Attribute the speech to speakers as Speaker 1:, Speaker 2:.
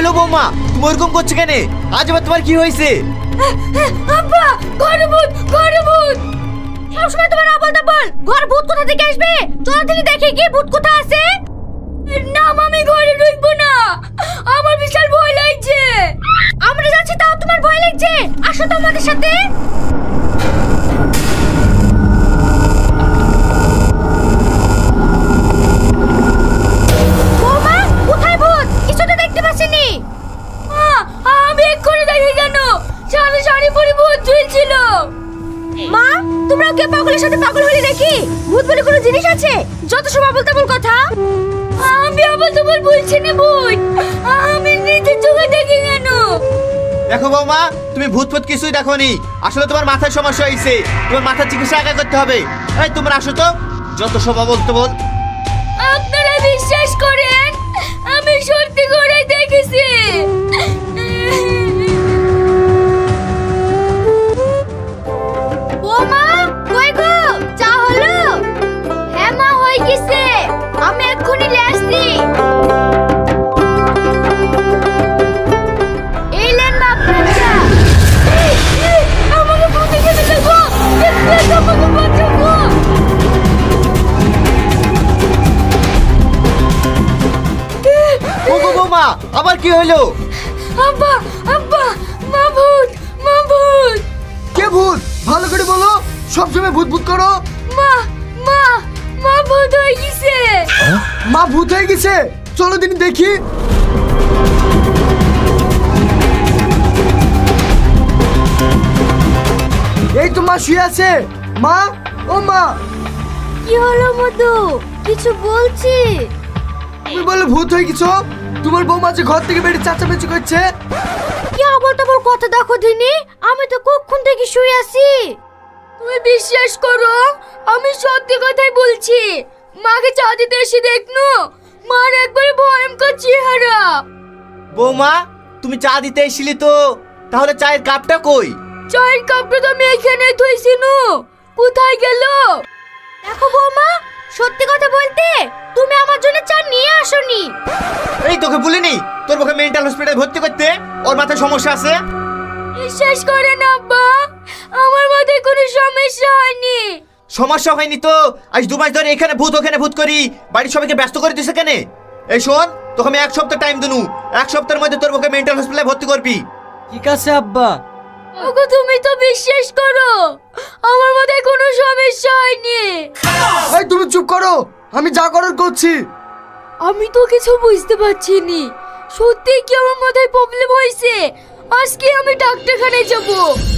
Speaker 1: হলো বৌমা, তুমি ওরকম করছো কেন? আজ আবার তোমার কি হয়েছে?
Speaker 2: আব্বা, ঘরে ভূত, ঘরে ভূত। সবসময় তোমার আবল তাবল, ঘর ভূত কোথা থেকে আসবে? চলো দিনে দেখে কি ভূত কোথায় আছে। না আমি ঘরে ঢুকবো না, আমার বিশাল ভয় লাগছে। আমরা যাচ্ছি তাও তোমার ভয় লাগছে? আসো তো আমাদের সাথে। বৌমা, কোথায় ভূত? কিছু তো দেখতে পাচ্ছিনি। আমি এক্ষুনি দেখি কেন, সামনে শাড়ি পরে ভূত ঝুলছিল। মা, তোমরা ওকে পাগলের সাথে পাগল হলে নাকি? ভূত বলে কোনো জিনিস আছে? যত সব আবল তাবল কথা। আমি আবল তাবল বলছি না ভূত, আমি নিজে চোখে দেখি কেন।
Speaker 1: দেখো বৌমা, তুমি ভূত ফুত কিছুই দেখোনি, আসলে তোমার মাথায় সমস্যা হয়েছে, তোমার মাথার চিকিৎসা আগে করতে হবে। এই তোমরা আসো তো, যত সব বলতে বল।
Speaker 2: আপনারা বিশ্বাস করেন, আমি সত্যি করে দেখেছি। বৌমা, কই গো? চা হলো? হ্যাঁ মা, হয়ে গেছে, আমি এক্ষুনি নিয়ে আসছি। এই নেন মা আপনার চা। আমাকে ভূতে খেতে দেবো, আমাকে বাঁচাবো।
Speaker 1: ওগো বৌমা, আবার কি হলো?
Speaker 2: আব্বা, আব্বা, মা ভূত, মা ভূত।
Speaker 3: কে ভূত? ভালো করে বলো, সবসময় ভূত ভূত করো।
Speaker 2: মা, মা, মা ভূত হয়ে গেছে।
Speaker 3: মা ভূত হয়ে গেছে? চলো দিন দেখি। এই তো মা শুয়ে আছে। মা, ও মা,
Speaker 2: কি হলো মধু? কিছু বলছি?
Speaker 3: তুমি বলে ভূত হয়ে গেছো? তোমার বৌমা যে ঘর থেকে বেরিয়ে চাচামেচি করছে।
Speaker 2: কি আবল তাবল কথা দেখো দিনি, আমি তো কখন থেকে শুয়ে আছি। তুমি বিশ্বাস করো, আমি সত্যি কথাই বলছি। মাকে চা দিতে এসে দেখনো, মার একবারে ভয়ঙ্কর চেহারা।
Speaker 1: বৌমা, তুমি চা দিতে এসেছিলে তো, তাহলে চায়ের কাপটা কই?
Speaker 2: চায়ের কাপটা তো আমি এখানে থইছি নু, কোথায় গেল? দেখো বৌমা, সত্যি কথা বলতে তুমি আমার জন্য চা নিয়ে আসোনি।
Speaker 1: এই তোকে বলিনি তোর মুখে মেন্টাল হসপিটালে ভর্তি করতে? ওর মাথায় সমস্যা আছে।
Speaker 2: বিশ্বাস করেন আব্বা, আমার মাথায় কোনো সমস্যা হয়নি।
Speaker 1: সমস্যা হয়নি তো আজ 2 মাস ধরে এখানে ভূত ওখানে ভূত করি বাড়ির সবাইকে ব্যস্ত করে দিছে কেন? এই শোন, তোকে আমি 1 সপ্তাহ টাইম দিনু, 1 সপ্তাহের মধ্যে তোর মুখে মেন্টাল হসপিটালে ভর্তি করবি।
Speaker 3: ঠিক আছে আব্বা।
Speaker 2: ওগো তুমি তো বিশ্বাস করো, আমার মাথায় কোনো সমস্যা হয়নি।
Speaker 3: এই তুমি চুপ করো, আমি যা করার করছি।
Speaker 2: আমি তো কিছু বুঝতে পারছি নি, সত্যি কি আমার মাথায় প্রবলেম হয়েছে? আজকে আমি ডাক্তারখানায় যাব।